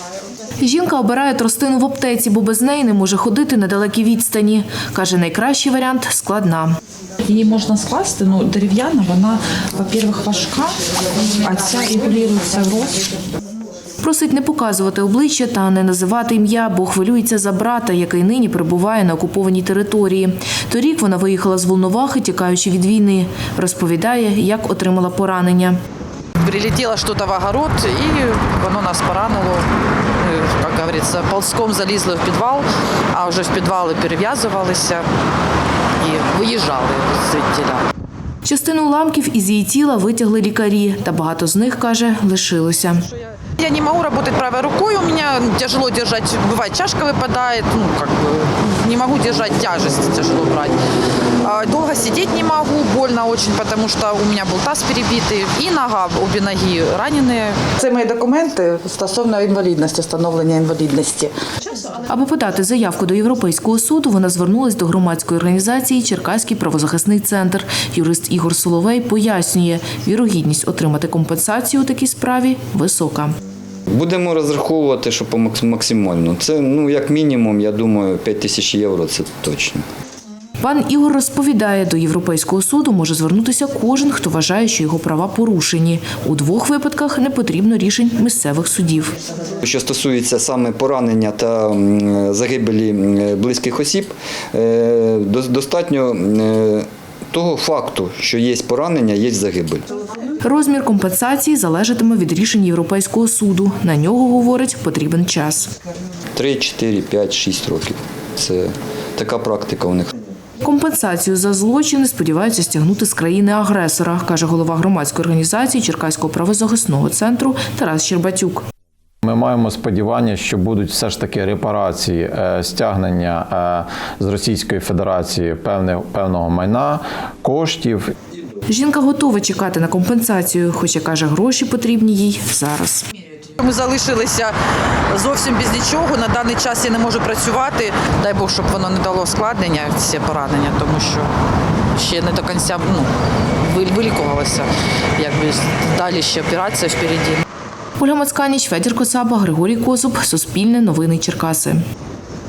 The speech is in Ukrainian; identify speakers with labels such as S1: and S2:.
S1: Жінка обирає тростину в аптеці, бо без неї не може ходити на далекі відстані. Каже, найкращий варіант – складна.
S2: Її можна скласти, дерев'яна, вона, по-перше, важка, а ця регулюється рост.
S1: Просить не показувати обличчя та не називати ім'я, бо хвилюється за брата, який нині перебуває на окупованій території. Торік вона виїхала з Волновахи, тікаючи від війни. Розповідає, як отримала поранення.
S3: Прилетело что-то в огород, и воно нас поранило. Мы, как говорится, ползком залізли в підвал, а вже в підвали перев'язувалися і виїжджали звідтіля.
S1: Частину уламків із її тіла витягли лікарі, та багато з них, каже, лишилося.
S3: Я не могу работать правой рукой, у меня тяжело держать, бывает чашка выпадает, не могу держать тяжесть, тяжело брать. Долго сидеть не могу, больно очень, потому что у меня был таз перебитый и нога, обе ноги раненые.
S4: Це мої документи стосовно інвалідності, встановлення інвалідності.
S1: Аби подати заявку до Європейського суду, вона звернулась до громадської організації «Черкаський правозахисний центр». Юрист Ігор Соловей пояснює, вірогідність отримати компенсацію у такій справі висока.
S5: Будемо розраховувати, що максимально. Це, як мінімум, я думаю, 5 тисяч євро – це точно.
S1: Пан Ігор розповідає, до Європейського суду може звернутися кожен, хто вважає, що його права порушені. У 2 випадках не потрібно рішень місцевих судів.
S5: Що стосується саме поранення та загибелі близьких осіб, достатньо того факту, що є поранення, є загибель.
S1: Розмір компенсації залежатиме від рішень Європейського суду. На нього, говорить, потрібен час.
S5: 3, 4, 5, 6 років. Це така практика у них.
S1: Компенсацію за злочини сподіваються стягнути з країни-агресора, каже голова громадської організації Черкаського правозахисного центру Тарас Щербатюк.
S6: Ми маємо сподівання, що будуть все ж таки репарації, стягнення з Російської Федерації певного майна, коштів.
S1: Жінка готова чекати на компенсацію, хоча, каже, гроші потрібні їй зараз.
S3: Ми залишилися зовсім без нічого, на даний час я не можу працювати. Дай Бог, щоб воно не дало складнення, ці поранення, тому що ще не до кінця вилікувалася. Далі ще операція впереді.
S1: Ольга Мацканіч, Федір Коцаба, Григорій Козуб, Суспільне новини Черкаси.